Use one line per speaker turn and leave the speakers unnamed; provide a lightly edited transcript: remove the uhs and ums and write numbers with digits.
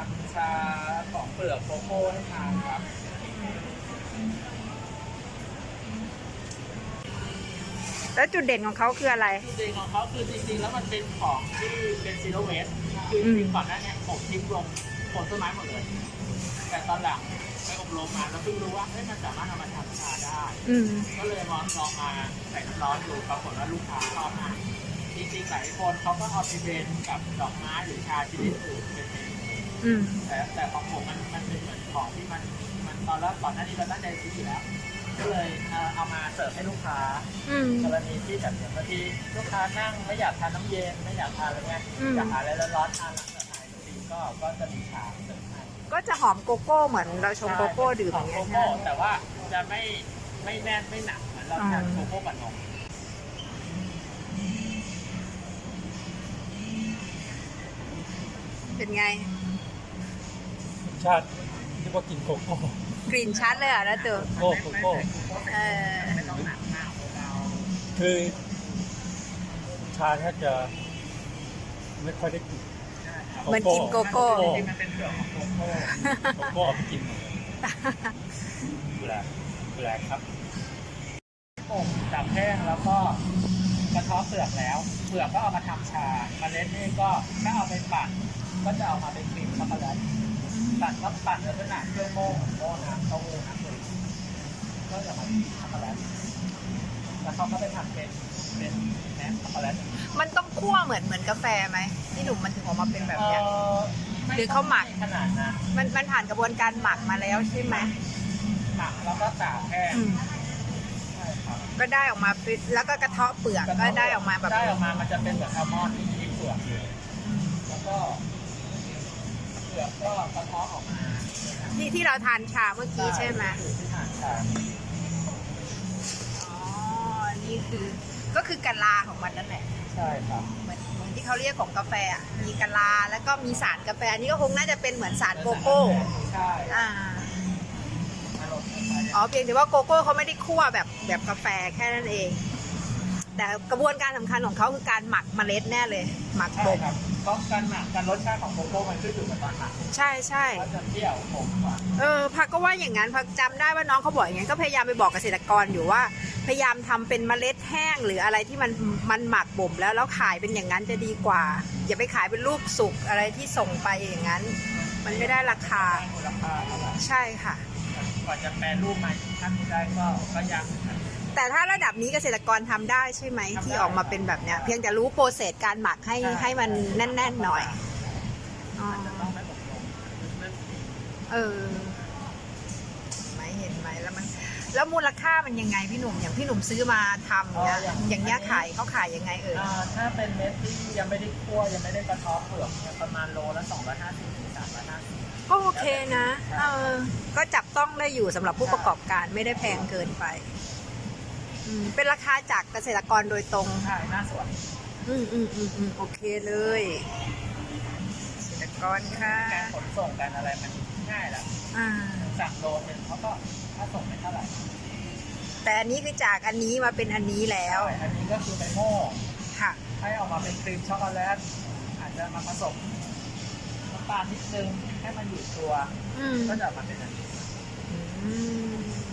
ำชาของเปลือกโกโก้ให้ทานครับ
แล้วจุดเด่นของเขาคืออะไร
จุดเด่นของเขาคือจริงๆแล้วมันเป็นของที่เป็นซีโรเวสคือจริงๆก่อนหน้านี้ผมทิ้งลงโคนต้นไม้หมดเลยแต่ตอนหลังไปอบรมมาแล้วเพิ่งรู้ว่ามันสามารถเอามาทำชาได้ก็เลยลองมาใส่น้ำร้อนดูปรากฏว่าลูกค้าชอบมากจริงๆหลายคนเขาก็เอาไปเบนกับดอกไม้หรือชาชนิดอื่นเป็นเมนูแต่ของผมมันเป็นเหมือนของที่มันตอนแรกก่อนหน้านี้เราตั้งใจซื้ออยู่แล้วก็เลยเอามาเสิร์ฟให้ลูกค้ากรณีที่แบบบางทีลูกค้านั่งไม่อยากทานน้ำเย็นไม่อยากทานอะไรเงี้ยอยากทานอะไรร้อนๆทานหลังจากทานดีก็จะมีชาเสิร์ฟให้
ก็จะหอมโกโก้เหมือนเราชงโกโก้ดื่มอย่างเงี้ยนะ
แต่ว่าจะไม่แน่นไม่หนักเหมือนเราทานโกโก้กับนม
เป็นไง
ชาติที่ว่ากินโกโก้
กลิ่นชัดเลยอ่ะนะตัว
โกโก้
ไม่ต้องหนักมาก
คือชาแทบจะไม่ค่อยได้กิน
มันกินโกโก้
มันเป็นเปลือกของโกโก้
โกโก้เอาไปกินแปลกครับ
อบจับแห้งแล้วก็กระเทาะเปลือกแล้วเปลือกก็เอามาทำชาเมล็ดนี่ก็ถ้าเอาไปปั่นก็จะเอามาเป็นครีมช็อกโกแลตปั่นลักษณะเครื่องโม่น้ำเต้าหู้น้ำเกลือก็จะมาช็อกโกแลตแล้วเขาก็ไปทำเป็นแหนมช็อกโกแลต
มันต้องคั่วเหมือนกาแฟไหมที่หนุ่มมันถึงออกมาเป็นแบบนี้หรือเขาหมัก
ขนาดนะ
มันผ่านกระบวนการหมักมาแล้วใช่ไหม
หมักแล้วก็ตากแห้ง
ก็ได้ออกมาแล้วก็กระเทาะเปลือกก็ได้ออกมาแบบ
ได้ออกมามันจะเป็นแบบอัลมอนด์ที่เปลือกแล้วก็เปลือกก็กระเทาะออกมา
ที่เราทานชาเมื่อกี้ใช่ไหม
ที่ทานชา
อ๋อนี่คือก็คือกะลาของมันนั่นแหละ
ใช่ครับ
เหมือนที่เขาเรียกของกาแฟอ่ะมีกะลาแล้วก็มีสารกาแฟนี่ก็คงน่าจะเป็นเหมือนสารโกโก้
ใช่
อ๋อเพียงแต่ว่าโกโก้เขาไม่ได้คั่วแบบกาแฟแค่นั้นเองแต่กระบวนการสำคัญของเขาคือการหมักเมล็ดแน่เลยหมักบ่ม
เพราะการหมักการรสชาติของโกโก้มันขึ้นอยู่กับตอนหมัก
ใช่
ก็จะเปรี้ยวขมกว่า
พักก็ว่าอย่างนั้นพักจำได้ว่าน้องเขาบอกอย่างนั้นก็พยายามไปบอกเกษตรกรอยู่ว่าพยายามทำเป็นเมล็ดแห้งหรืออะไรที่มันหมักบ่มแล้วขายเป็นอย่างนั้นจะดีกว่าอย่าไปขายเป็นรูปสุกอะไรที่ส่งไปอย่างนั้นมันไม่ได้ราคาใช่ค่ะ
กว่าจะแปรรูปมาขั้นนี้ได้ก็ยาก
แต่ถ้าระดับนี้เกษตรกรทำได้ใช่ไหมที่ออกมาเป็นแบบเนี้ยเพียงแต่รู้โปรเซสการหมักให้มันแน่นๆหน่อยไม่เห็นไหมแล้วมูลค่ามันยังไงพี่หนุ่มอย่างพี่หนุ่มซื้อมาทำเนี่ยอย่างเงี้ยเขาขายยังไง
ถ้าเป็นเม็ดที่ยังไม่ได้คั่วยังไม่ได้กระเทาะเปลือกประมาณโลละ250 ถึง 350
ก็โอเคนะก็จับต้องได้อยู่สำหรับผู้ประกอบการไม่ได้แพงเกินไปเป็นราคาจากเกษตรกรโดยตรง
ใช่หน้าสวน
โอเคเลยเกษตรกรค่ะ
การขนส่งกันอะไรมันง่ายแล้วสั่งโลนึงเขาก็ถ้าส่งไม่เท่าไหร่
แต่อันนี้คือจากอันนี้มาเป็นอันนี้แล้ว
อันนี้ก็คือไปโม่
ค่ะ
ให้ออกมาเป็นครีมช็อกโกแลตอาจจะมาผสมน้ำตาลนิดนึงให้มันอยู่ตัวก็จะมาเป็นอันนี้